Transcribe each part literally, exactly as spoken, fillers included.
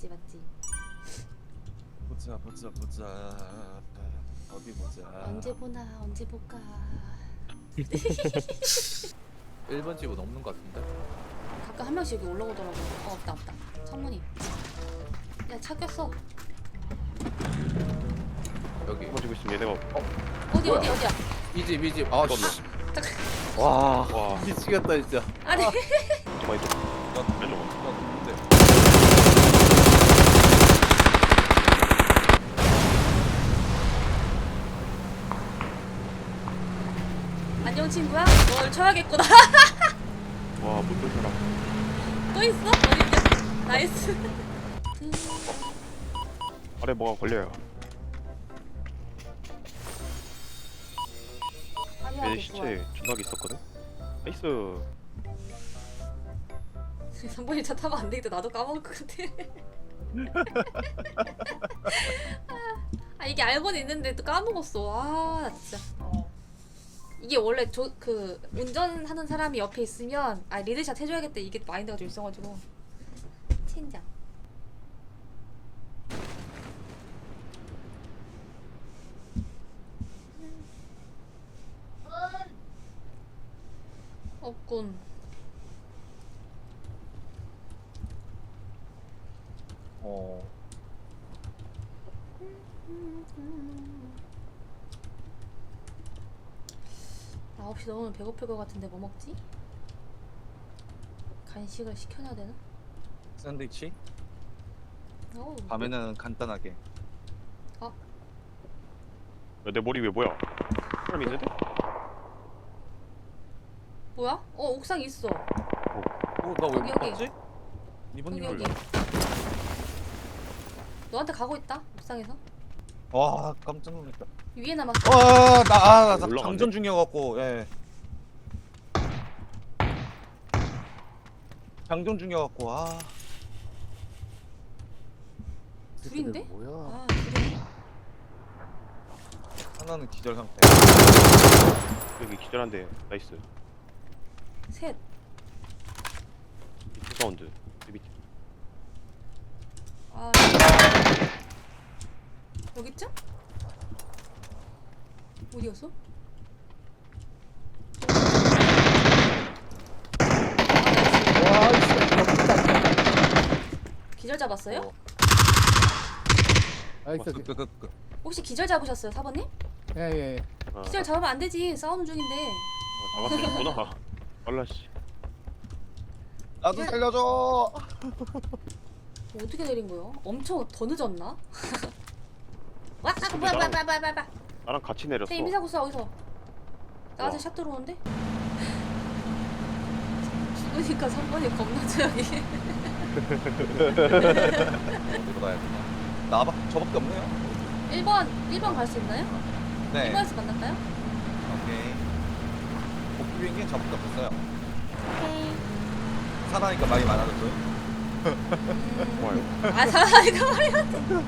맞지 맞지. 보자 보자 보자 어디 보자. 언제 보나 언제 볼까. 일 번 집은 없는 것 같은데? 가끔 한 명씩 여기 올라오더라고. 어 없다 없다. 창문이. 야 차 꼈어. 여기 가지고 있으면 얘네가 어? 어디 뭐야? 어디 어디야? 이집 이집 아 씨. 와, 와 미치겠다 진짜. 아니. 잠깐만 이거 나 왼쪽 나 누군데? 안녕 친구야. 널 쳐야겠구나. 와 못본 사람 또 있어? 어딨냐? 나이스. 아래 뭐가 걸려요 화려하게 얘네 시체 존나게 있었거든? 나이스 삼번이 차 타면 안 되겠다. 나도 까먹을 것 같아. 아 이게 알고는 있는데 또 까먹었어. 아 진짜. 이게 원래 저 그 운전하는 사람이 옆에 있으면 아 리드샷 해줘야겠다 이게 마인드가 좀 있어가지고. 첸장. 없군. 어. 아홉 시 넘으면 배고플 것 같은데 뭐 먹지? 간식을 시켜놔야 되나? 샌드위치? 어우, 밤에는 간단하게. 야, 내 머리 위에 뭐야 사람 있는데? 뭐야? 어 옥상 있어. 어, 나 왜 여기, 못 여기. 봤지? 이번 여기 일. 여기. 너한테 가고 있다 옥상에서. 와, 깜짝 놀랐다. 위에 남았어. 와, 나, 아, 나 올라가네. 장전 중이어갖고, 예. 장전 중이어갖고, 아. 둘인데? 뭐야? 아 둘이네. 하나는 기절 상태. 여기 기절한데 나이스 셋. 이 사운드 내 밑에 아 여기쯤? 어디였어? 아, 나이스. 기절 잡았어요? 어. 나이스. 그, 그, 그, 그. 혹시 기절 잡으셨어요, 사번님? 예예. 아, 기절 잡으면 안 되지. 싸우는 중인데. 아, 잡았었구나 알라씨 나도 예. 살려줘! 뭐 어떻게 내린 거요? 엄청 더 늦었나? 와, 아, 뭐야, 뭐야, 뭐야, 뭐야, 뭐야, 뭐야. 나랑 같이 내렸어 내 이미사고 써 어디서? 나한테 우와. 샷 들어오는데? 죽으니까 삼 번이 겁나 조용히. 어디로 가야 되나? 나밖, 저밖에 없네요? 일 번, 일 번 갈 수 있나요? 네. 일 번에서 만날까요? 오케이. 복귀 비행기는 저밖에 없었어요. 오케이. 사나니까 말이 많아졌어요. 음... 좋아요 아, 사나이가 말이야.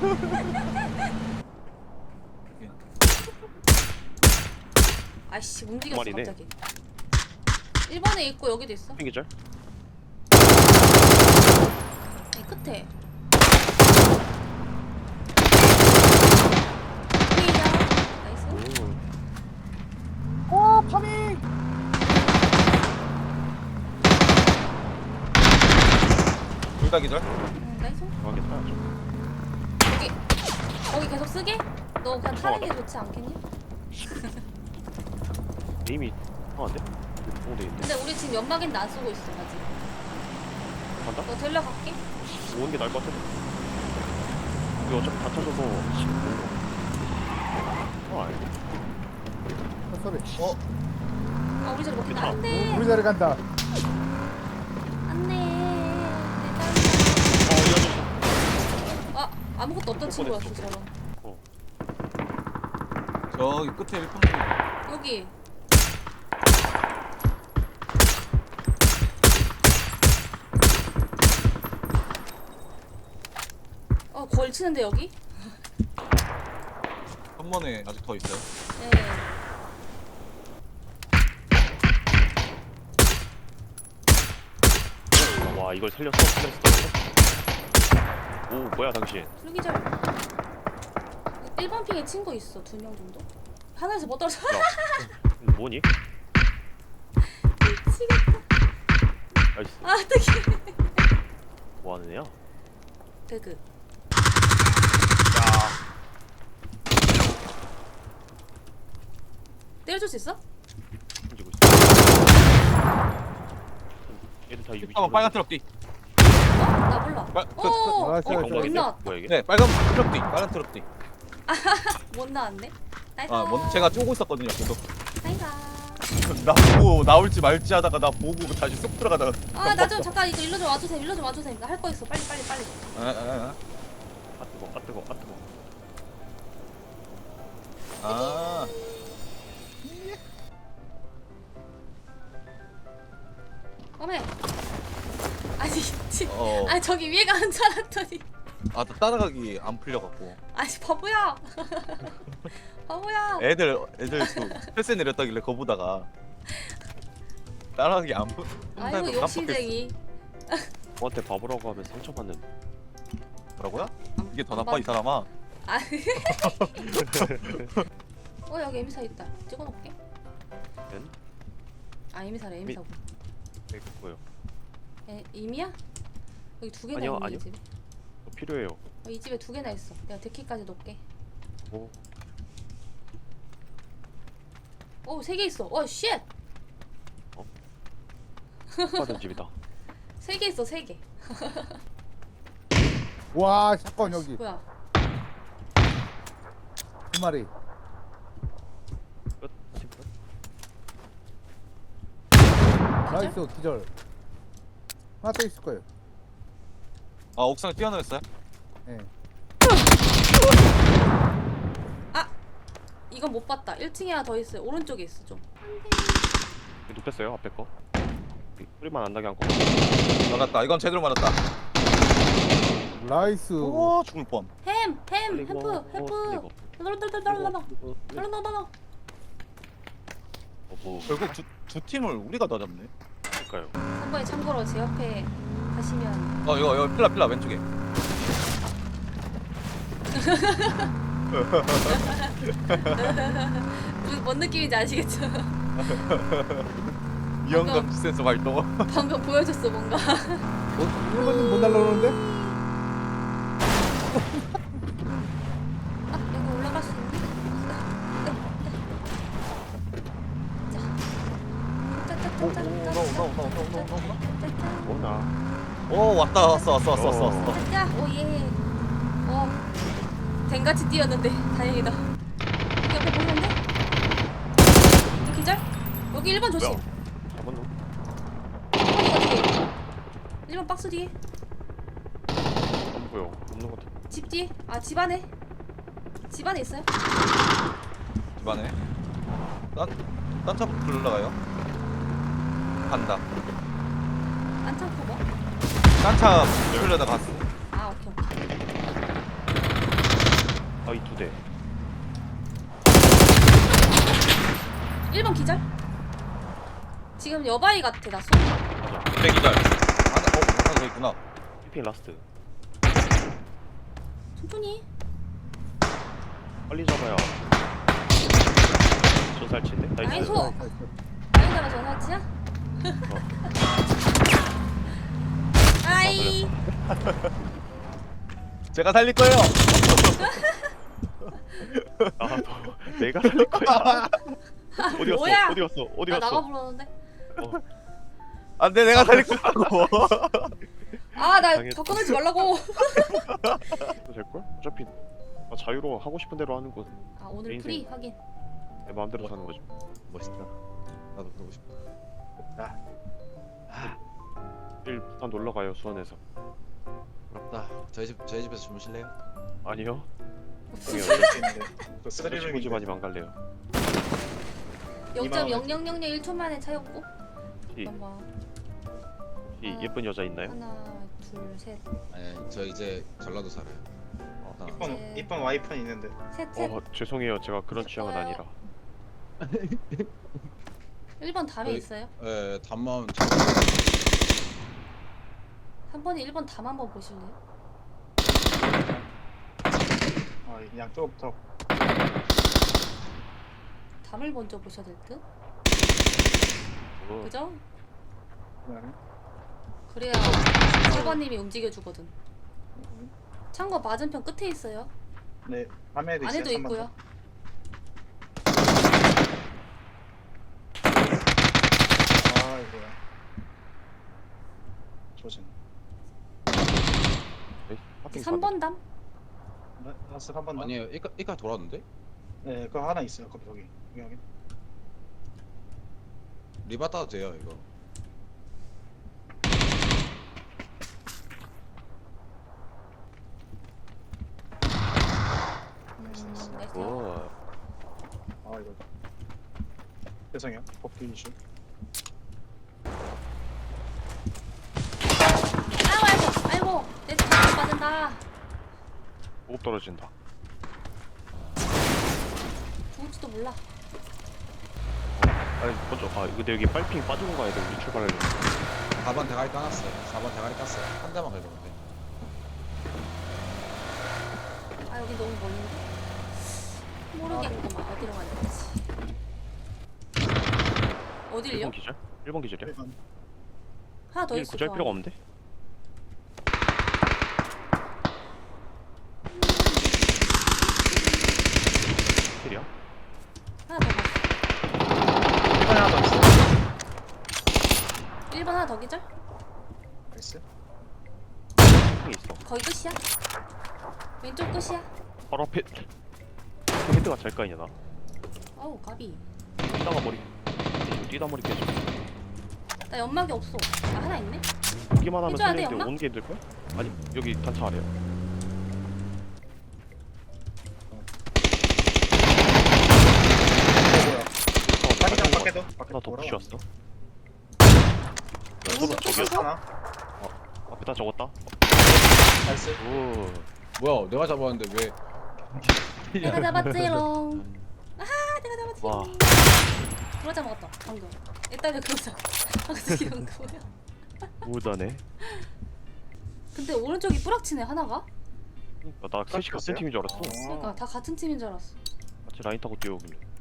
아이씨, 움직였어, 말이네. 갑자기. 일 번에 있고 여기도 있어. 기절? 이 끝에. 나이스. 오 오, 파밍! 둘 다 기절? 음, 나이스. 좋아하겠다 여기 거기 계속 쓰게? 너 그냥 타는 게 좋지 않겠니? 에임이 이상한데? 공대 있는데? 근데 우리 지금 연막인데 안 쓰고 있어 아직. 간다? 너 데려갈게. 오는 게 나을 것 같은데 우리 어차피 다 찾아서 어 아니 소리. 어? 아 우리 자리 먹힌다. 괜찮아. 안돼. 우리 자리 간다. 안돼. 어 이 아저씨 아 아무것도 없던 친구였어 뻔했어. 저런. 어 저기 끝에 일평 여기. 어 걸치는데 여기? 한 번에 아직 더 있어요. 네. 와 이걸 살렸어? 살렸어? 오 뭐야 당신. 둘기절. 일 번 핑에 친구 있어. 두 명 정도. 하늘에서 못 떨어져. 야 뭐니? 미치겠다. 나이스. 아 어떡해. 뭐 하는 애야? 배그. 야. 때려줄 수 있어? 던지고 있어. 얘들 다 유비. 한번 빨간 트럭 뒤. 어? 나 몰라. 빨- 오. 아, 어, 진짜, 못 건강인데? 나왔다. 뭐야 이게? 네, 빨간 트럭 뒤. 빨간 트럭 뒤. 못 나왔네. 나이스. 아, 먼저 제가 쪼고 있었거든요. 계속. 나이스. 나 보고 나올지 말지 하다가 나 보고 다시 쏙 들어가다가. 아 나 좀 잠깐 이거 일로 좀 와주세요. 일로 좀 와주세요. 나 할 거 있어. 빨리 빨리 빨리. 아, 아, 아 뜨거. 아 뜨거. 아 뜨거. 아. 아. 어메. 아니 지. 어. 아니 저기 위에 가는 줄 알았더니. 아, 나 따라가기 안 풀려갖고. 아니 바보야. 바보야. 애들 애들 그 패스 내렸다길래 거 보다가 따라가기 안 풀. 아이고 욕심쟁이. 저한테 바보라고 하면 상처받는. 뭐라고요? 이게 더 안 나빠 이 받- 사람아. 아. 어 여기 에미사 있다. 찍어놓을게. 엔? 아 에미사래 에미사고. 네 그거요. 에 이미야? 여기 두 개나 아니요, 있네 아니요. 이 집에. 뭐 필요해요. 어, 이 집에 두 개나 있어. 내가 데키까지 놓을게. 뭐 오 세 개 있어. 어 쉣. 받은 집이다. 세 개 있어 세 개. 와, 샷건 여기 뭐야? 두 마리. 끝. 팀 끝. 나이스 기절. 하나 더 있을 거예요. 아, 옥상에 뛰어내렸어요? 예. 이건 못 봤다. 일 층에 하나 더 있어요. 오른쪽에 있어 좀. 이거 눕혔어요 앞에 거. 이 소리만 안 나게 한 거. 맞았다. 이건 제대로 맞았다. 나이스. 우와, 죽을 뻔. 햄! 햄! 그리고 햄프! 햄프! 그리고 널널널널널널 그리고 널널널널 어, 뭐 결국 두, 두 팀을 우리가 다 잡네. 할까요? 한 번에 참고로 제 옆에 가시면 어, 이거 이거 필라 필라 왼쪽에. 무슨 뭔 느낌인지 아시겠죠? 이영감 센서 발동. 방금 보여줬어 뭔가. 뭐, 일본은 못 날라오는데? 아 여기 올라갈 수 있니? 오, 오, 오나 오나 오나 오나 오나 오나. 뭐나? 오, 왔다 왔어 왔어 왔어 왔어 왔어. 자, 오예. 어, 댕같이 뛰었는데 다행이다. 여기 옆에 보이는데? 이 기절? 여기 일 번 조심. 뭐야? 잡은 놈? 일 번 이거 뒤에. 일 번 박스 뒤에. 안 보여. 없는 것 같아. 집 뒤에. 아, 집 안에. 집 안에 있어요? 집안에. 딴딴차 불러가요. 간다. 안창 커버? 딴차 불려다 갔어. 아, 오케이, 오케이. 아이 두 대. 일 번 기절? 지금 여바이 같아, 나 손. 맞아. 대기절. 하나 어 하나 더 있구나. 피핑 라스트. 천천히. 빨리 잡아야. 전살치인데? 나이스. 나이스. 나이스. 아이가라 전화치야? 아이. 제가 살릴 거예요. 아, 너, 내가 살릴 거야. 어디 갔어? 뭐야? 어디 갔어? 어디 나 갔어? 나가 불렀는데. 어, 안돼, 내가 살릴 거라고. 아, 나 당했다. 더 끊지 말라고. 될 걸? 어차피 아, 자유로 하고 싶은 대로 하는 거 아, 오늘 인생. 프리 확인. 내 마음대로 사는 거지. 멋있다. 나도 그러고 싶다. 내일 부산 놀러 가요 수원에서. 부럽다. 저희 집 저희 집에서 주무실래요? 아니요. 무슨 친구 집아니면 안 갈래요. 영 점 영영영영 일 초 만에 차였고. 이, 잠깐만. 이 예쁜 여자 있나요? 하나, 둘, 셋, 아니 저 이제 전라도 살아요. 아, 이쁜 네. 이쁜 와이프는 있는데 셋, 셋. 어 죄송해요. 제가 그런 취향은 좋아요. 아니라. 일 번 담에 저희- 있어요. 예, 담만 삼 번이 일 번 담 한번 보실래요? 양쪽부터. 담을 먼저 보셔야 될 듯? 어, 그죠? 그다음에 그래야 세번님이 움직여주거든. 창고 맞은편 끝에 있어요. 네, 밤에도 있어요. 안에도 삼 번 있고요. 더. 아 이거야. 조진. 네, 하핑 삼 번 담? 네, 라스 한번 더. 아니에요. 이까 이까 돌았는데? 네, 그거 하나 있어요. 거기 여기. 여기 여기. 리바 따도 돼요 이거. 음, 나이스. 나이스. 오. 아 이거. 죄송해요. 복귀 이슈. 아이고 아이고 아이고 내 차가 빠진다. 보급 떨어진다. 죽을지도 몰라. 아니 먼저 아 근데 여기 빨핑 빠지고 가야 돼. 우리 출발하려면. 사 번 대가리 까놨어요. 사 번 대가리 깠어요. 한 대만 긁으면 돼. 아 여기 너무 멀는데? 모르겠구만. 어디로 가야 되지? 어딜요? 일 번 기절? 일 번 기절이야? 일반. 하나 더 일 있어. 구절 저 필요가 안에. 없는데? 필이야? 하나 더 갔어. 일반 하나 더 있어. 일 번 하나 더 기절? 나이스. 필이 있어. 거의 끝이야? 왼쪽 끝이야? 바로 앞에 헤드가 잘 까이냐 나. 어우 가비. 뛰다가 머리 뛰다 머리 깨져. 나 연막이 없어. 아 하나 있네? 보기만 하면 해줘야 돼, 살리는데 엄마? 오는 게 힘들걸? 아니 여기 단차 아래야. 이거 뭐야? 어, 자기장 나 밖에도. 밖에 하나 더 돌아와. 부시웠어. 오른쪽 저기야. 끝이고? 하나. 앞에다 적었다. 나이스. 오. 뭐야? 내가 잡았는데 왜? 내가 잡았지롱. 아하 내가 잡았지롱. 와. 그러자 먹었다 방금. 일단은 그러자. 방금 이런 거야. 우다네. 근데 오른쪽이 뿌락치네 하나가? 나 셋이 같은 팀인 줄 알았어. 어. 그러니까 다 같은 팀인 줄 알았어. 같이 라인 타고 뛰어오길래.